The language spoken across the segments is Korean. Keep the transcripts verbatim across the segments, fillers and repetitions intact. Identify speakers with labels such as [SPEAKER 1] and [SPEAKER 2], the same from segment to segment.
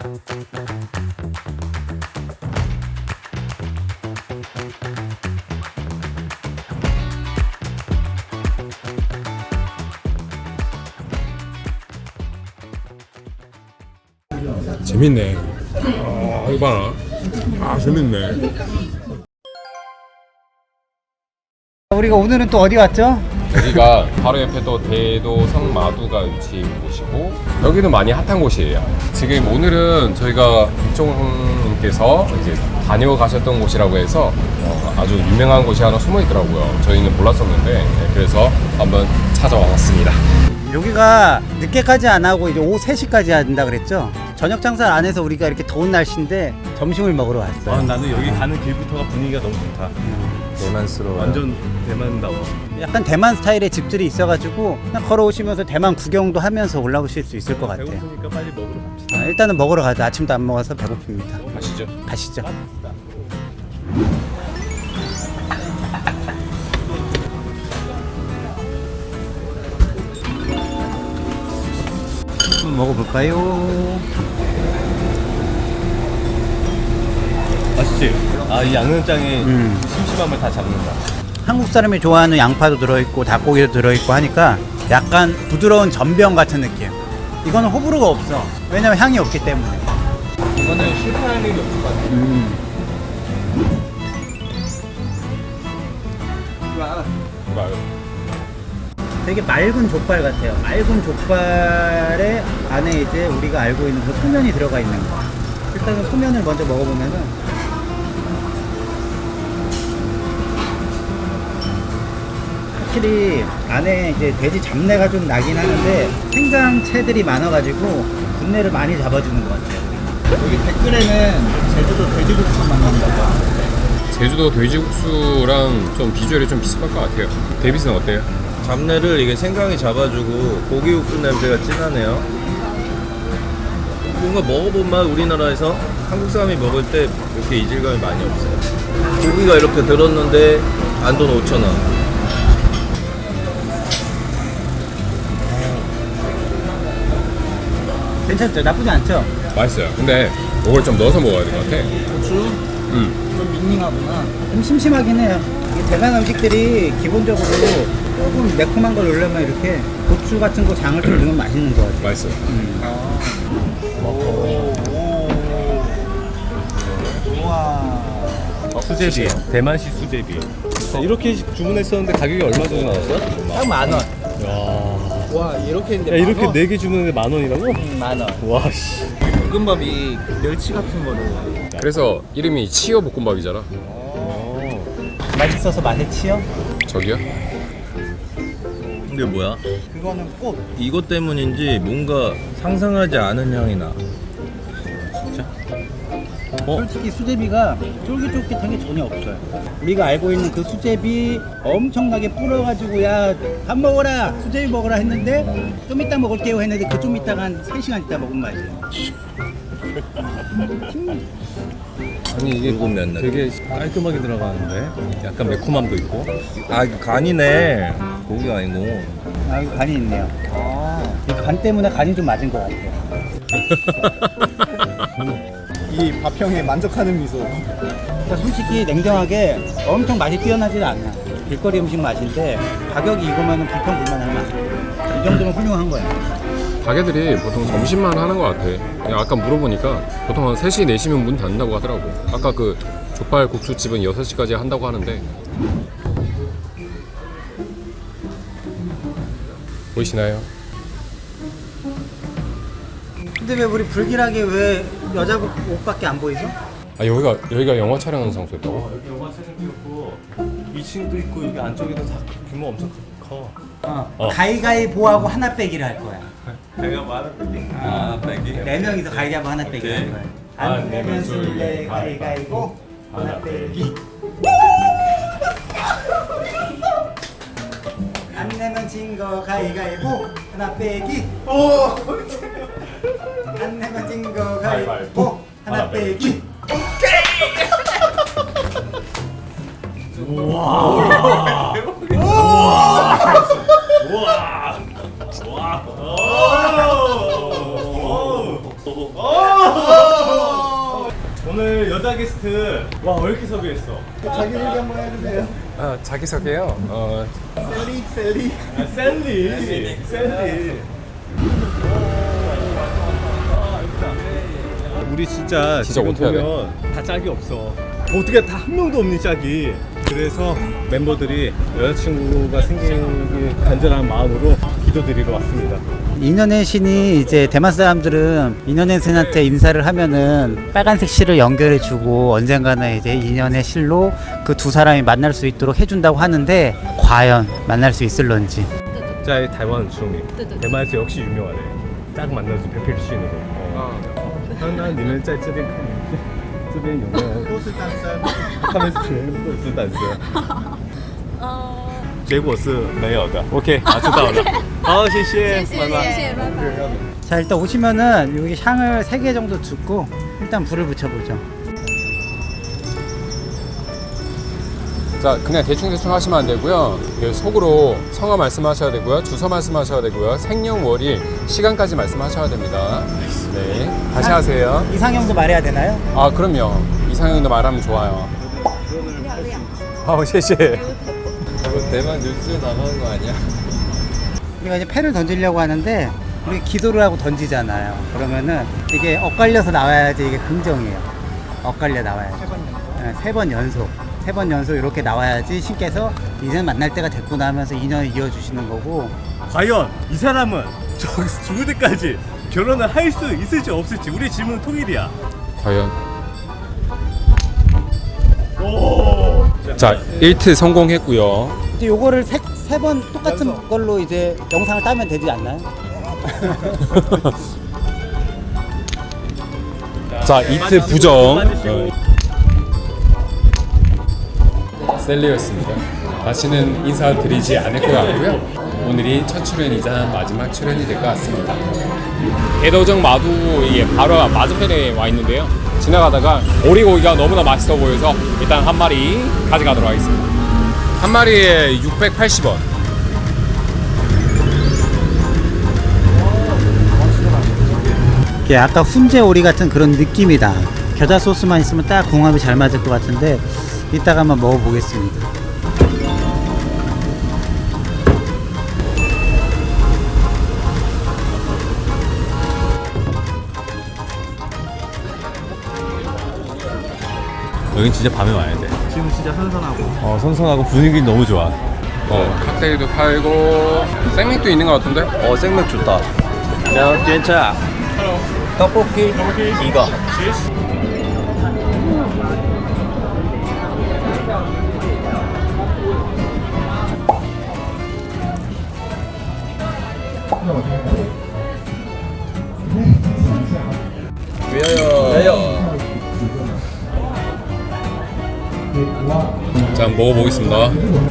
[SPEAKER 1] 재밌네. 아, 이거 봐라. 아, 재밌네.
[SPEAKER 2] 우리가 오늘은 또 어디 왔죠?
[SPEAKER 1] 여기가 바로 옆에 또 대도성 마두가 위치한 곳이고, 여기도 많이 핫한 곳이에요. 지금 오늘은 저희가 국종님께서 이제 다녀가셨던 곳이라고 해서 어, 아주 유명한 곳이 하나 숨어 있더라고요. 저희는 몰랐었는데, 네, 그래서 한번 찾아왔습니다.
[SPEAKER 2] 여기가 늦게까지 안 하고 이제 오후 세 시까지 한다 그랬죠? 저녁 장사 안 해서 우리가 이렇게 더운 날씨인데 점심을 먹으러 왔어요.
[SPEAKER 3] 아, 나는 여기 가는 길부터가 분위기가 너무 좋다.
[SPEAKER 4] 대만스러워.
[SPEAKER 3] 완전 대만다워.
[SPEAKER 2] 약간 대만 스타일의 집들이 있어가지고 그냥 걸어오시면서 대만 구경도 하면서 올라오실 수 있을 것 같아요.
[SPEAKER 3] 배고프니까 빨리 먹으러 갑시다.
[SPEAKER 2] 아, 일단은 먹으러 가자. 아침도 안 먹어서 배고픕니다.
[SPEAKER 1] 가시죠.
[SPEAKER 2] 가시죠. 한번 먹어볼까요?
[SPEAKER 3] 맛있지? 아, 이 양념장에
[SPEAKER 2] 음.
[SPEAKER 3] 심심함을 다 잡는다.
[SPEAKER 2] 한국 사람이 좋아하는 양파도 들어있고 닭고기도 들어있고 하니까 약간 부드러운 전병 같은 느낌. 이거는 호불호가 없어. 왜냐면 향이 없기 때문에.
[SPEAKER 3] 이거는 실패할 일이 없을 것 같아.
[SPEAKER 2] 음. 되게 맑은 족발 같아요. 맑은 족발의 안에 이제 우리가 알고 있는 그 소면이 들어가 있는 거. 일단은 소면을 먼저 먹어보면은 확실히 안에 이제 돼지 잡내가 좀 나긴 하는데 생강채들이 많아가지고 분내를 많이 잡아주는 것 같아요. 여기 댓글에는 제주도 돼지국수 만난다고 하는데
[SPEAKER 1] 제주도 돼지국수랑 좀 비주얼이 좀 비슷할 것 같아요. 데이비스는 어때요?
[SPEAKER 4] 잡내를 이게 생강이 잡아주고 고기 육수 냄새가 진하네요. 뭔가 먹어본 맛 우리나라에서 한국 사람이 먹을 때 이렇게 이질감이 많이 없어요. 고기가 이렇게 들었는데 안돈 오천 원.
[SPEAKER 2] 괜찮죠? 나쁘지 않죠?
[SPEAKER 1] 맛있어요. 근데 이걸 좀 넣어서 먹어야 될 것 같아.
[SPEAKER 2] 고추?
[SPEAKER 1] 음.
[SPEAKER 2] 좀 밍밍하구나. 좀 심심하긴 해요. 이 대만 음식들이 기본적으로 조금 매콤한 걸 넣으려면 이렇게 고추 같은 거 장을 좀 넣으면 맛있는 것 같아요.
[SPEAKER 1] 맛있어요.
[SPEAKER 2] 음. 우와.
[SPEAKER 3] 수제비. 대만식 수제비. 자, 이렇게 주문했었는데 가격이 얼마 정도 나왔어?
[SPEAKER 2] 딱 만 원.
[SPEAKER 3] 야.
[SPEAKER 2] 와, 이렇게
[SPEAKER 3] 야,
[SPEAKER 2] 했는데
[SPEAKER 3] 이렇게 네 개 주문했는데 만 원이라고?
[SPEAKER 2] 음, 만 원.
[SPEAKER 3] 와, 씨.
[SPEAKER 4] 볶음밥이 멸치 같은 거로.
[SPEAKER 1] 그래서 이름이 치어 볶음밥이잖아.
[SPEAKER 2] 맛있어서 맛에 치여?
[SPEAKER 1] 저기요?
[SPEAKER 4] 이게 뭐야?
[SPEAKER 2] 그거는 꽃.
[SPEAKER 4] 이것 때문인지 뭔가 상상하지 않은 향이 나.
[SPEAKER 2] 솔직히 수제비가 쫄깃쫄깃한 게 전혀 없어요. 우리가 알고 있는 그 수제비 엄청나게 불어가지고 야 밥 먹어라 수제비 먹어라 했는데 좀 이따 먹을게요 했는데 그 좀 이따가 한 세 시간 있다 먹은 맛이에요.
[SPEAKER 3] 아니, 이게
[SPEAKER 4] 붉은 면날.
[SPEAKER 3] 되게 깔끔하게 들어가는데 약간 매콤함도 있고.
[SPEAKER 4] 아, 이거 간이네. 고기가 아니고.
[SPEAKER 2] 아 여기 간이 있네요. 이 간 때문에 간이 좀 맞은 것 같아요.
[SPEAKER 5] 이 밥형에 만족하는 미소.
[SPEAKER 2] 그러니까 솔직히 냉정하게 엄청 맛이 뛰어나지는 않아. 길거리 음식 맛인데 가격이 이거면 불평불만할 맛. 이 정도면 훌륭한 거야.
[SPEAKER 1] 가게들이 보통 점심만 하는 것 같아. 그냥 아까 물어보니까 보통 한 세 시, 네 시면 문 닫는다고 하더라고. 아까 그 족발 국수집은 여섯 시까지 한다고 하는데. 보이시나요?
[SPEAKER 2] 근데 왜 우리 불길하게 왜 여자 옷밖에 안 보이죠?
[SPEAKER 1] 아, 여기가 여기가 영화 촬영하는 장소였다고?
[SPEAKER 3] 여기 영화 촬영이었고 이 층도 있고 여기 안쪽에도 다 규모 엄청 커.
[SPEAKER 2] 어.
[SPEAKER 1] 어.
[SPEAKER 2] 가위가위보하고 하나 빼기를 할 거야.
[SPEAKER 4] 내가 말을 빼기. 아, 빼기.
[SPEAKER 2] 네 명이서 가위가위보 하나 빼기 할 거야. 안 내면 술래 가위가위보 하나 빼기. 안 내면 진 거 가위가위보 하나 빼기. 오. 안 내면 진 거 가위가위보 하나 빼기.
[SPEAKER 3] 와. 여자 게스트. 와, 왜 이렇게 섭외했어?
[SPEAKER 5] 자기소개 한번 해주세요.
[SPEAKER 1] 아, 자기소개요. 어,
[SPEAKER 5] 셀리 셀리.
[SPEAKER 3] 아, 셀리. 셀리. 우리 진짜,
[SPEAKER 1] 진짜
[SPEAKER 3] 지금
[SPEAKER 1] 어떻게 해야 돼?
[SPEAKER 3] 보면 다 짝이 없어. 어떻게 다 한 명도 없니 짝이. 그래서 멤버들이 여자친구가 생기길 간절한 마음으로 기도드리러 왔습니다.
[SPEAKER 2] 인연의 신이 이제 대만 사람들은 인연의 신한테 인사를 하면은 빨간색 실을 연결해 주고 언젠가는 이제 인연의 실로 그 두 사람이 만날 수 있도록 해준다고 하는데 과연 만날 수 있을런지.
[SPEAKER 3] 在台湾很出名，대만에서 역시 유명하네. 짝 만나서 배필 신으로. 어.那你们在这边看，这边有没有？
[SPEAKER 5] 都是单身。
[SPEAKER 3] 他们全部都是单身。结果是没有的。OK， 啊，知道了。好，谢谢，拜拜。
[SPEAKER 2] 자, 일단 오시면은 여기 향을 세 개 정도 줍고 일단 불을 붙여보죠.
[SPEAKER 1] 자, 그냥 대충대충 하시면 안 되고요. 그 속으로 성함 말씀하셔야 되고요. 주소 말씀하셔야 되고요. 생년월일, 시간까지 말씀하셔야 됩니다. 네, 다시 하세요.
[SPEAKER 2] 이상형도 말해야 되나요?
[SPEAKER 1] 아, 그럼요. 이상형도 말하면 좋아요. 아,谢谢.
[SPEAKER 4] 대만 뉴스 나가는 거 아니야?
[SPEAKER 2] 우리가 이제 패를 던지려고 하는데 우리 기도를 하고 던지잖아요. 그러면은 이게 엇갈려서 나와야지 이게 긍정이에요. 엇갈려 나와야지. 세 번 연속. 세 번 연속 이렇게 나와야지 신께서 이제 만날 때가 됐구나 하면서 인연을 이어주시는 거고.
[SPEAKER 3] 과연 이 사람은 저기서 죽을 때까지 결혼을 할 수 있을지 없을지 우리 질문은 통일이야.
[SPEAKER 1] 과연. 자, 일 트 성공했고요.
[SPEAKER 2] 이제 요거를 세 번 똑같은 걸로 이제 영상을 따면 되지 않나요?
[SPEAKER 1] 자, 이 트 부정. 어. 셀리였습니다. 다시는 인사드리지 않을 것 같고요. 오늘이 첫 출연이자 마지막 출연이 될 것 같습니다. 대도정 마두 이게 바로 맞은편에 와 있는데요. 지나가다가 오리고기가 너무나 맛있어 보여서 일단 한 마리 가져가도록 하겠습니다. 한 마리에 육백팔십 원.
[SPEAKER 2] 이게 아까 훈제 오리 같은 그런 느낌이다. 겨자 소스만 있으면 딱 궁합이 잘 맞을 것 같은데 이따가 한번 먹어보겠습니다.
[SPEAKER 3] 여긴 진짜 밤에 와야 돼.
[SPEAKER 5] 지금 진짜 선선하고.
[SPEAKER 3] 어, 선선하고 분위기 너무 좋아.
[SPEAKER 1] 어, 칵테일도 팔고 생맥도 있는 것 같은데?
[SPEAKER 4] 어, 생맥 좋다. 면, 괜찮아. 떡볶이, 이거. 위하여. 위하여.
[SPEAKER 1] 자, 한번 먹어보겠습니다.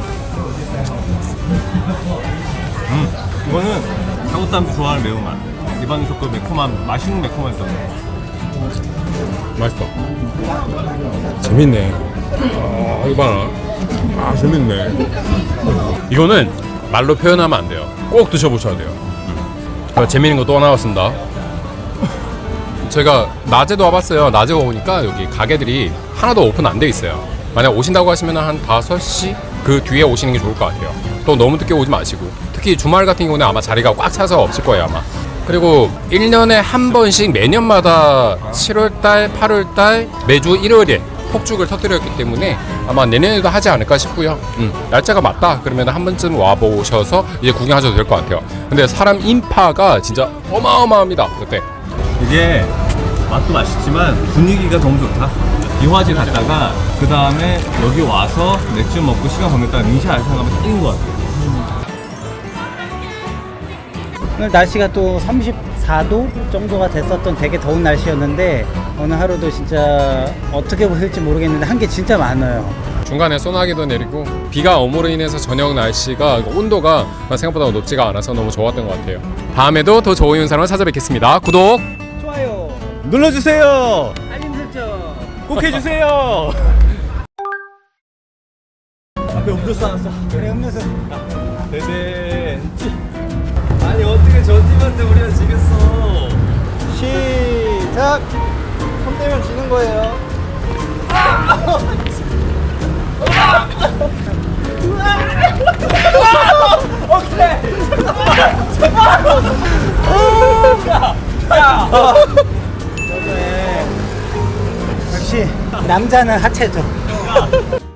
[SPEAKER 3] 음, 이거는 한국 사람들 좋아하는 매운맛. 입안에서 그 매콤한, 맛있는 매콤함이 있어.
[SPEAKER 1] 맛있다. 재밌네. 아, 이거 봐라. 아, 재밌네. 이거는 말로 표현하면 안 돼요. 꼭 드셔보셔야 돼요. 음. 재밌는 거 또 나왔습니다. 제가 낮에도 와봤어요. 낮에 오니까 여기 가게들이 하나도 오픈 안 돼 있어요. 만약 오신다고 하시면 한 다섯 시 그 뒤에 오시는 게 좋을 것 같아요. 또 너무 늦게 오지 마시고. 특히 주말 같은 경우는 아마 자리가 꽉 차서 없을 거예요, 아마. 그리고 일 년에 한 번씩 매년마다 칠월달, 팔월달 매주 일요일에 폭죽을 터뜨렸기 때문에 아마 내년에도 하지 않을까 싶고요. 음, 날짜가 맞다 그러면 한 번쯤 와보셔서 이제 구경하셔도 될 것 같아요. 근데 사람 인파가 진짜 어마어마합니다, 그때.
[SPEAKER 3] 이게 맛도 맛있지만 분위기가 너무 좋다. 이화지 갔다가 그 다음에 여기 와서 맥주 먹고 시간 보냈다가 민샤 알상하면 딱인 것 같아요.
[SPEAKER 2] 오늘 날씨가 또 삼십사 도 정도가 됐었던 되게 더운 날씨였는데 오늘 하루도 진짜 어떻게 보실지 모르겠는데 한 게 진짜 많아요.
[SPEAKER 1] 중간에 소나기도 내리고 비가 오므로 인해서 저녁 날씨가 온도가 생각보다 높지가 않아서 너무 좋았던 것 같아요. 다음에도 더 좋은 영상으로 찾아뵙겠습니다. 구독!
[SPEAKER 2] 좋아요.
[SPEAKER 3] 눌러주세요.
[SPEAKER 2] 알림 설정.
[SPEAKER 3] 꼭 해주세요. 앞에 음료수 하나 써.
[SPEAKER 2] 그래 음료수.
[SPEAKER 3] 네네. 아니 어떻게 저 팀한테 우리가 지겠어.
[SPEAKER 2] 시작. 손 떼면 지는 거예요. 역시 남자는 하체죠.